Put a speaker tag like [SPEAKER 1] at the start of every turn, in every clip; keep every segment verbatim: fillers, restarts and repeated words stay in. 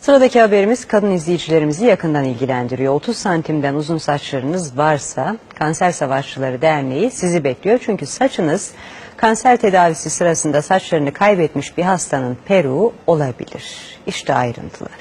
[SPEAKER 1] Sıradaki haberimiz kadın izleyicilerimizi yakından ilgilendiriyor. otuz santimden uzun saçlarınız varsa Kanser Savaşçıları Derneği sizi bekliyor. Çünkü saçınız kanser tedavisi sırasında saçlarını kaybetmiş bir hastanın peruğu olabilir. İşte ayrıntılar.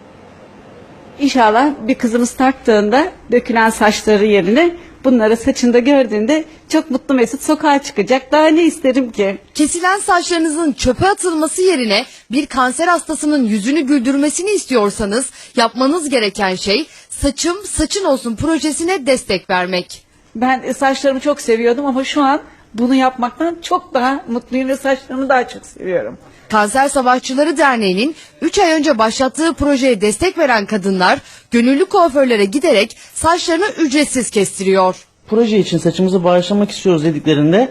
[SPEAKER 2] İnşallah bir kızımız taktığında dökülen saçları yerine bunları saçında gördüğünde çok mutlu mesut sokağa çıkacak. Daha ne isterim ki?
[SPEAKER 3] Kesilen saçlarınızın çöpe atılması yerine bir kanser hastasının yüzünü güldürmesini istiyorsanız yapmanız gereken şey Saçım Saçın Olsun projesine destek vermek.
[SPEAKER 2] Ben saçlarımı çok seviyordum ama şu an bunu yapmaktan çok daha mutluyum ve saçlarımı daha çok seviyorum.
[SPEAKER 3] Kanser Savaşçıları Derneği'nin üç ay önce başlattığı projeye destek veren kadınlar gönüllü kuaförlere giderek saçlarını ücretsiz kestiriyor.
[SPEAKER 4] Proje için saçımızı bağışlamak istiyoruz dediklerinde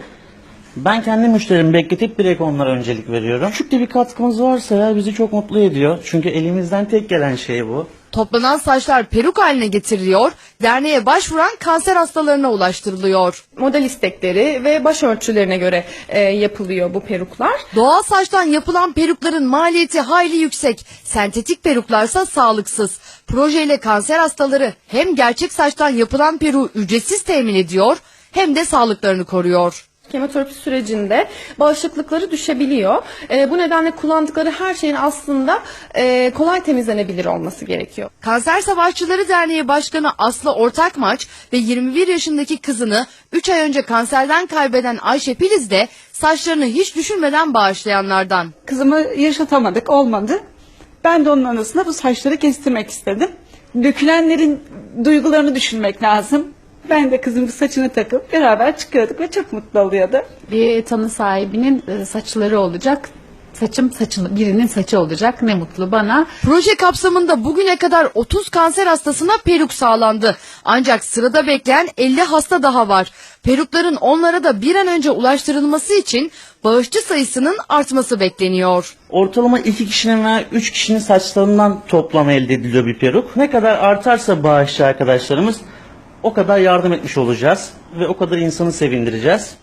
[SPEAKER 4] ben kendi müşterimi bekletip direkt onlara öncelik veriyorum. Küçük de bir katkımız varsa ya bizi çok mutlu ediyor. Çünkü elimizden tek gelen şey bu.
[SPEAKER 3] Toplanan saçlar peruk haline getiriliyor, derneğe başvuran kanser hastalarına ulaştırılıyor.
[SPEAKER 5] Model istekleri ve başörtülerine göre e, yapılıyor bu peruklar.
[SPEAKER 3] Doğal saçtan yapılan perukların maliyeti hayli yüksek. Sentetik peruklarsa sağlıksız. Projeyle kanser hastaları hem gerçek saçtan yapılan peruğu ücretsiz temin ediyor hem de sağlıklarını koruyor.
[SPEAKER 5] Kemoterapi sürecinde bağışıklıkları düşebiliyor. E, bu nedenle kullandıkları her şeyin aslında e, kolay temizlenebilir olması gerekiyor.
[SPEAKER 3] Kanser Savaşçıları Derneği Başkanı Aslı Ortakmaç ve yirmi bir yaşındaki kızını üç ay önce kanserden kaybeden Ayşe Filiz de saçlarını hiç düşünmeden bağışlayanlardan.
[SPEAKER 2] Kızımı yaşatamadık, olmadı. Ben de onun anısına bu saçları kestirmek istedim. Dökülenlerin duygularını düşünmek lazım. Ben de kızımın saçını takıp beraber çıkıyorduk ve çok mutlu oluyordu.
[SPEAKER 6] Bir tanı sahibinin saçları olacak. Saçım saçın birinin saçı olacak. Ne mutlu bana.
[SPEAKER 3] Proje kapsamında bugüne kadar otuz kanser hastasına peruk sağlandı. Ancak sırada bekleyen elli hasta daha var. Perukların onlara da bir an önce ulaştırılması için bağışçı sayısının artması bekleniyor.
[SPEAKER 4] Ortalama iki kişinin veya üç kişinin saçlarından toplam elde ediliyor bir peruk. Ne kadar artarsa bağışçı arkadaşlarımız o kadar yardım etmiş olacağız ve o kadar insanı sevindireceğiz.